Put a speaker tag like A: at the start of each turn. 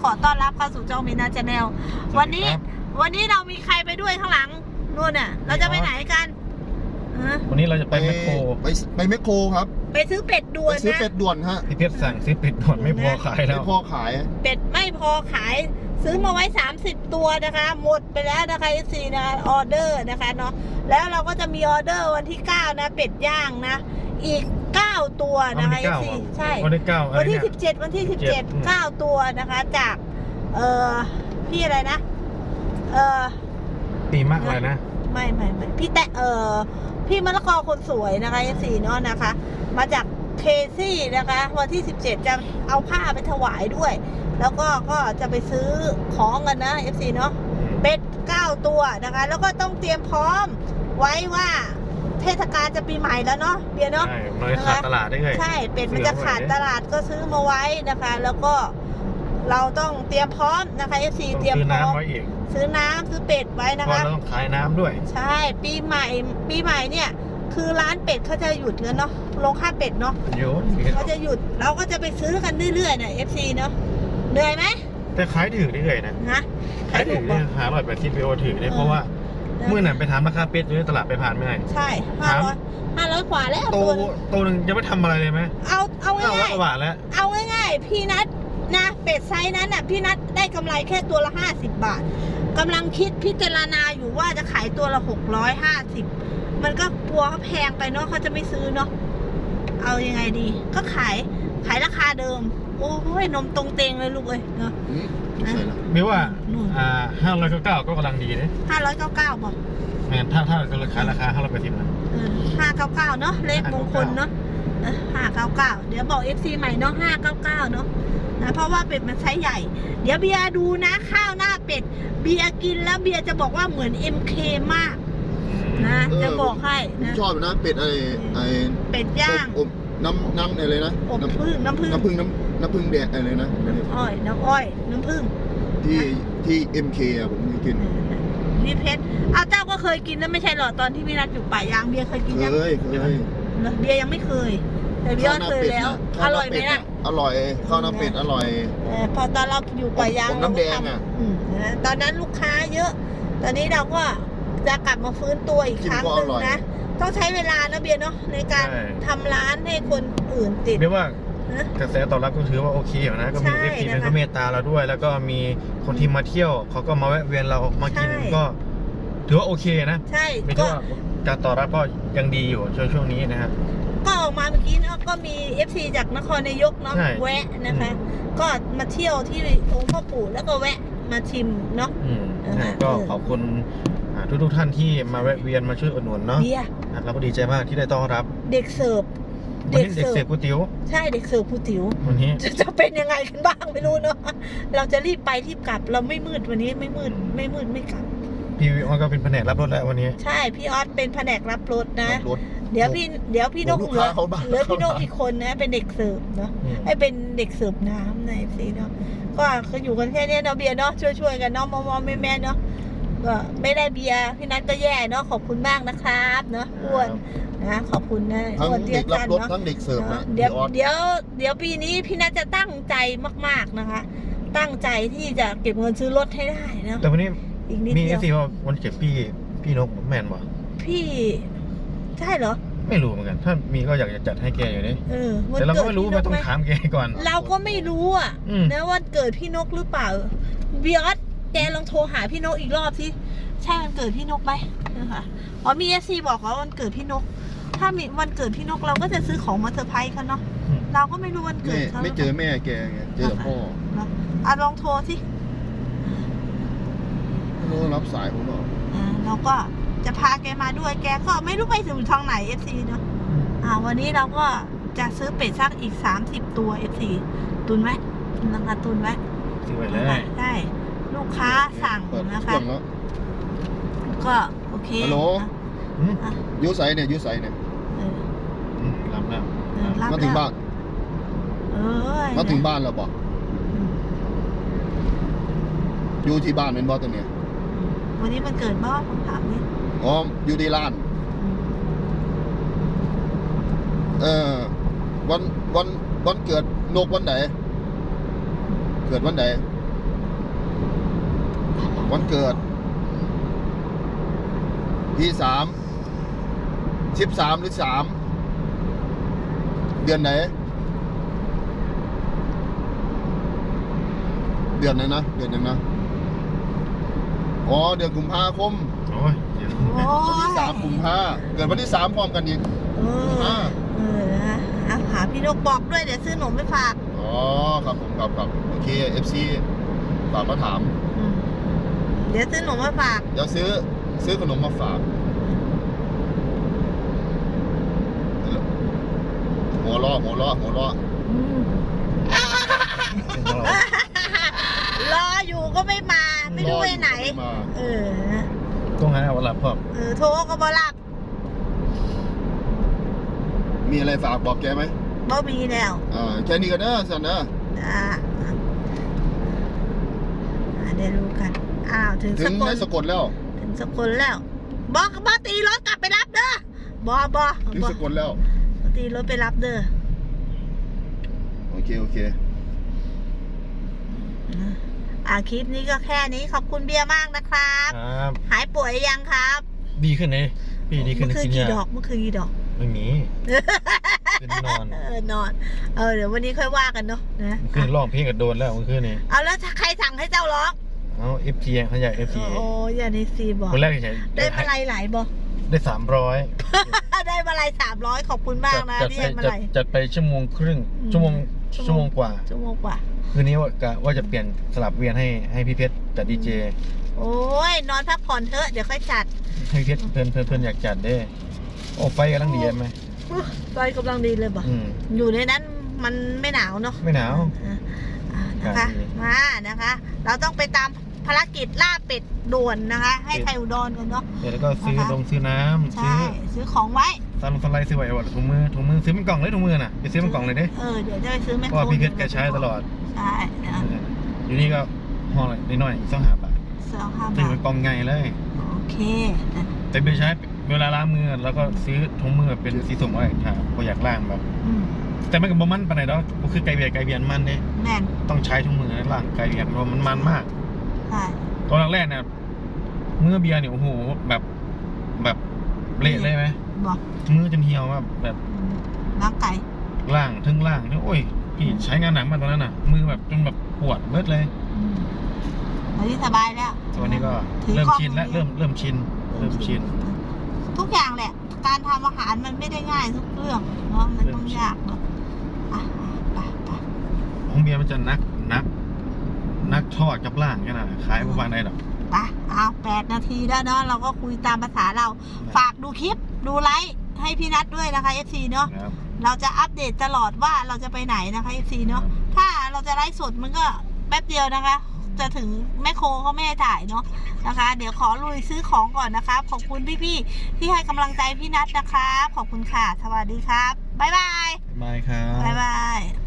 A: ขอต้อนรับเข้าสู่ช่องมินาชาแนลวันนี้เรามีใครไปด้วยข้างหลังนู่นน่ะเราจะไปไหนกัน
B: วันนี้เราจะไปแมคโคร
C: ไปแมคโครครับ
A: ไปซื้อเป็ดด่วนนะ
C: ซื้อเป็ดด่วนฮะ
B: พี่เพชรสั่งซื้อเป็ดด่วนไม่พอขายแล้ว
C: ไม่พอขาย
A: เป็ดไม่พอขายซื้อมาไว้30ตัวนะคะหมดไปแล้วนะคะFCนะออเดอร์นะคะเนาะแล้วเราก็จะมีออเดอร์วันที่9นะเป็ดย่างนะอีก9ตัวนะคะ FC ใช่
B: วันที่9
A: วันที่17 9ตัวนะคะจากพี่อะไรนะ
B: ตีมากเลยนะ
A: ไม่พี่แตะพี่มะละกอคนสวยนะคะFCเนาะนะคะมาจากเคซี่นะคะวันที่17จะเอาผ้าไปถวายด้วยแล้วก็จะไปซื้อของกันนะ FC เนาะเป็ด9ตัวนะคะแล้วก็ต้องเตรียมพร้อมไว้ว่าเทศกาลจะปีใหม่แล้วเนาะเบียร์เนาะ
B: ใช่มันจะขาดตลาดได้ไง
A: ใช่เป็ดมันจะขาดตลาดก็ซื้อมาไว้นะคะแล้วก็เราต้องเตรียมพร้อมนะคะ FC เตรียมพร้อมซื้อน้ำซื้อเป็ดไว้นะคะ
B: เราต้องขายน้ำด้วย
A: ใช่ปีใหม่เนี่ยคือร้านเป็ดเขาจะหยุดแล้วเนาะลงค่าเป็ดเนาะเขาจะหยุดเราก็จะไปซื้อกันเรื่อยๆเนี่ย FC เนาะเหนื่อยไหม
B: แต่ขายถือได้เลยนะขายถือหา180 PO ถือได้เพราะว่าเมื่อนั้นไปถามราคาเป็ดอยู่ในตลาดไปผ่านไม่ได้
A: ใช่500กว่าแล้ว
B: ตัวนึงจะไม่ทำอะไรเลยไหม
A: เอาง่าย
B: ๆแล้ว
A: เอาง่ายๆพี่นัทนะเป็ดไซส์นั้นน่ะพี่นัทได้กำไรแค่ตัวละ50 บาทกำลังคิดพิจารณาอยู่ว่าจะขายตัวละ650มันก็กลัวเขาแพงไปเนาะเขาจะไม่ซื้อเนาะเอายังไงดีก็ขายราคาเดิมโอ้ยนมตรงเตงเลยลูกเอ้ยเนาะ
B: ไม่ว่า599ก็กำลังดีนะ
A: 599บอก
B: แม่ถ้าราคา580นะ
A: 599เนาะเลขมงคลเนาะ599เดี๋ยวบอก FC ใหม่เนาะ599เนาะนะเพราะว่าเป็ดมันไซส์ใหญ่เดี๋ยวเบียร์ดูนะข้าวหน้าเป็ดเบียร์กินแล้วเบียร์จะบอกว่าเหมือน MK มากนะจะบอกให้
C: นะชอบนะเป็ด
A: เป็ดย่าง
C: น้ำอะไรนะ
A: น้ำผึ้ง
C: แดดอะไรนะ
A: น้ำอ้อยน้ำผึ้ง
C: ที่ MK อ่ะผมเคยกิน
A: พี่เพชรเจ้าก็เคยกินนะไม่ใช่หรอตอนที่พี่นัทอยู่ป่ายางเบียร์เคยกินยัง
C: เคย
A: เบียร์ยังไม่เคยแต่เบียร์เคยแล้วอร่อยไหมล่ะ
C: อร่อยข้าวหน้าเป็ดอร่อย
A: พอตอนเราอยู่ป่ายาง
C: น้ำแดงอ่ะ
A: ตอนนั้นลูกค้าเยอะตอนนี้เราก็จะกลับมาฟื้นตัวอีกครั้งนึงนะต้องใช้เวลานะเบียร์เนาะในการทำร้านให้คนอื่นติด
B: เบียร์ว่ากระแสตอบรับก็ถือว่าโอเคอยู่นะก็มีFCก็เมตตาเราด้วยแล้วก็มีคนที่มาเที่ยวเขาก็มาแวะเวียนเรามากินก็ถือว่าโอเคนะ
A: ใช่
B: ก็การตอบรับก็ยังดีอยู่ช่วงนี้นะครับ
A: ก็ออกมาเมื่อกี้เนาะก็มี FC จากนครนายกเนาะแวะนะคะก็มาเที่ยวที่องค์พ่อปู่แล้วก็แวะมาชิมเนาะ
B: ก็ขอบคุณทุกท่านที่มาแวะเวียนมาช่วยอุดหนุนเนาะเราก็ดีใจมากที่ได้ต้อนรับ
A: เด็กเสิร์ฟ
B: ก๋วยเตี๋ยว
A: ใช่เด็กเสิร์ฟก๋วยเตี๋ยว
B: วันนี้
A: จะเป็นยังไงกันบ้างไม่รู้เนาะเราจะรีบไปรีบกลับเราไม่มืดวันนี้ไม่มืดไม่กลับ
B: พี่ออสก็เป็นแผนกรับรถแล้ววันนี้
A: ใช่พี่ออสเป็นแผนกรับรถนะเดี๋ยวพี่นกเหลือพี่นกอีกคนนะเป็นเด็กเสิร์ฟเนาะให้เป็นเด็กเสิร์ฟน้ำในสิเนาะก็อยู่กันแค่นี้เนาะเบียร์เนาะช่วยกันเนาะมอแม่เนาะก็ไม่ได้เบียร์พี่นัทก็แย่เนาะขอบคุณมากนะครับเนาะอ้วนนะขอบคุณนะ
C: ทั้งเด็กรับรถทั้งเด็กเสิร์ฟนะ
A: เดี๋ยวปีนี้พี่นัทจะตั้งใจมากๆนะคะตั้งใจที่จะเก็บเงินซื้อรถให้ได้เนาะ
B: แต่วันนี้มีสิว่าวันเก็บพี่นกแมนบ่
A: พี่ใช่เหรอ
B: ไม่รู้เหมือนกันถ้ามีก็อยากจะจัดให้แกอยู่นี่แต่เราก็ไม่รู้มาต้องถามแกก่อน
A: เราก็ไม่รู้อ่ะนะวันเกิดพี่นกหรือเปล่าเบียร์แกลองโทรหาพี่นกอีกรอบสิใช่วันเกิดพี่นกไหมนะคะมีFCบอกว่าวันเกิดพี่นกถ้ามีวันเกิดพี่นกเราก็จะซื้อของมาเซอร์ไพรส์เขาเนาะเราก็ไม่รู้วันเกิดเขา
C: ไม่เจอแม่แกเจอพ่อ
A: ลองโทรสิ
C: รับสายผมบอก
A: เราก็จะพาแกมาด้วยแกก็ไม่รู้ไปถึงทางไหน FC เนาะวันนี้เราก็จะซื้อเป็ดสักอีก30ตัว FC ตุนไหมนะคะตุนไว้
B: ซื้อไว้เลย
A: ได้ลูกค้าสั่งนะคะก็โอเค
C: ฮัลโหลยูไซเนี่ย
B: รับแล้ว
C: มาถึงบ้านมาถึงบ้านแล้วบอกอยู่ที่บ้านเป็นบอสตัวเนี้ย
A: วันนี้มันเกิดบอสผมถามนี่
C: อยู่ที่ร้านวันเกิดนกวันไหนเกิดวันไหนวันเกิดที่13หรือ3เดือนไหนเดือนไหนนะเดือนยังนะอ๋อเดือนกุมภาคม
B: โอ้ยเดี๋ยว
A: โอ้
C: วันที่
A: ย
C: 3กุมภาเกิดวันที่3พร้อมกันอีก
A: นะเอาหาพี่นกบอกด้วยเดี๋ยวซื้อหนมไปฝาก
C: อ๋อครับผมครับโอเค FC ฝากมาถาม
A: เดี๋ยวซื้อหนมมาฝาก
C: เดี๋ยวซื้อขนมมาฝากหัวเราะ
A: รออยู่ก็ไม่มาไม่รู้ไปไหน เออ
B: ต้องหาวันหลับพ่อ
A: โทรก็บ่รับ
C: มีอะไรฝากบอกแกไหม
A: บ่มีแล้ว
C: แค่นี้ก็เด้อสันเด้อ
A: เดี๋ยวรู้กันอ้าวถึง
C: ถึ
A: ส
C: ง
A: กล
C: ได้สะกดแล้ว
A: ถึงสกลแล้วบอตีรถกลับไปรับเด้อบอ
C: ถึงสะกดแล้ว
A: ตีรถไปรับเด้อ
C: โอเค
A: คลิปนี้ก็แค่นี้ขอบคุณเบียร์มากนะครับ
B: ครับ
A: หายป่วยยังครับ
B: ดีขึ้นเลยพี่ดีขึ้น
A: เมื่อคืน
B: กิน
A: กี่
B: ยา
A: ดอกเมื่อคืนกี่ดอก
B: ไม่มีเป็นนอน
A: นอนเดี๋ยววันนี้ค่อยว่ากันเนาะนะ
B: ขึ้นร้องเพลงกับโดนแล้วเมื่อคืนนี้
A: เอาแล้วใครสั่งให้เจ้าร้อง
B: เอาFG เขาใหญ่ FG
A: โอ้ยาในซีบอก
B: คนแรกใช่
A: ได้มาลัยหลายบอ
B: ได้300
A: ได้มาลัย300ขอบคุณมากนะที่ให้มาลัย
B: จัดไป1 ชั่วโมงครึ่งชั่วโมงกว่า
A: ชั่วโมงกว่า
B: คืนนี้ว่าจะเปลี่ยนสลับเวียนให้พี่เพชรจัดดีเจ
A: โอ้ยนอนพักผ่อนเถอะเดี๋ยวค่อยจัด
B: ให้พี่เพชรเพื่อนอยากจัดเด้โอ้ไฟกำลังดีไหม
A: ไฟกำลังดีเลยบอก อยู่ในนั้นมันไม่หนาวเนาะ
B: ไม่หนาว
A: นะคะมานะคะ เราต้องไปตามภารกิจล่าเป็ดด่วนนะคะ ให้ไทยอุดรกันเนาะ
B: แล้วก็ซื้อซื้อน้ำ
A: ใช่ซื้อของไว้
B: สไลด์ซื้อไว้ว่าถุงมือซื้อเป็นกล่องเลยถุงมือน่ะไปซื้อเป็นกล่องเลยเด้
A: เดี๋ยวจะไปซื้อแมค
B: เพ
A: โคร
B: ราะว่าพี่เพชรแกใช้ตลอด
A: ใช่นะ
B: อยู่นี่ก็ห้องอะไรน้อยๆ2 บาท
A: 2-5
B: ซื้อบ
A: า
B: เป็น
A: ท
B: กล่องใหญ่เลย
A: โอเค
B: แต่ไปใช้เวลาล้างมือแล้วก็ซื้อถุงมือเป็นสีส้มไว้ถ้าพออยากล้างแบบ แต่ไม่กับบ่มันปานไหนดอกก็คือไก่เบียนมันเนี่ย
A: แน่น
B: ต้องใช้ถุงมือล้างไก่เบียนเพราะมันมาก
A: ใช่
B: ตอนแรกๆเนี่ยมือเบียร์เนี่ยโอ้โหแบบเละเลยไหม
A: บอก
B: มือจนเหี่ยวแบบ
A: ล้างไก่
B: ล่างโอ้ยพี่ใช้งานหนักมากตอนนั้นน่ะ มือแบบจนแบบปวดเบิดเลย
A: ตอนนี้สบายแล้ว
B: ตอนนี้ก็
A: ถือ
B: เริ่ม
A: กล้อง
B: ชินแล้วเริ่มชิน
A: ทุกอย่างแหละ การทำอาหารมันไม่ได้ง่ายทุกเรื่องเนาะมันต้องยากเนาะไป
B: ของเบียร์มันจะนักทอดกับล่างกันนะขายประมาณไหนหรอก
A: ไปเอา8 นาทีแล้วเนาะเราก็คุยตามภาษาเรา ฝากดูคลิปดูไลค์ให้พี่นัทด้วยนะคะ FC เนาะ
B: ครับ
A: เราจะอัปเดตตลอดว่าเราจะไปไหนนะคะ FC เนาะถ้าเราจะไลฟ์สดมันก็แป๊บเดียวนะคะ จะถึงแม่โคเขาไม่ให้ถ่ายเนาะนะคะ เดี๋ยวขอลุยซื้อของก่อนนะครับขอบคุณพี่ๆที่ให้กำลังใจพี่นัทนะครับขอบคุณค่ะสวัสดีครับบ๊ายบาย
B: บายครับ
A: บ๊ายบาย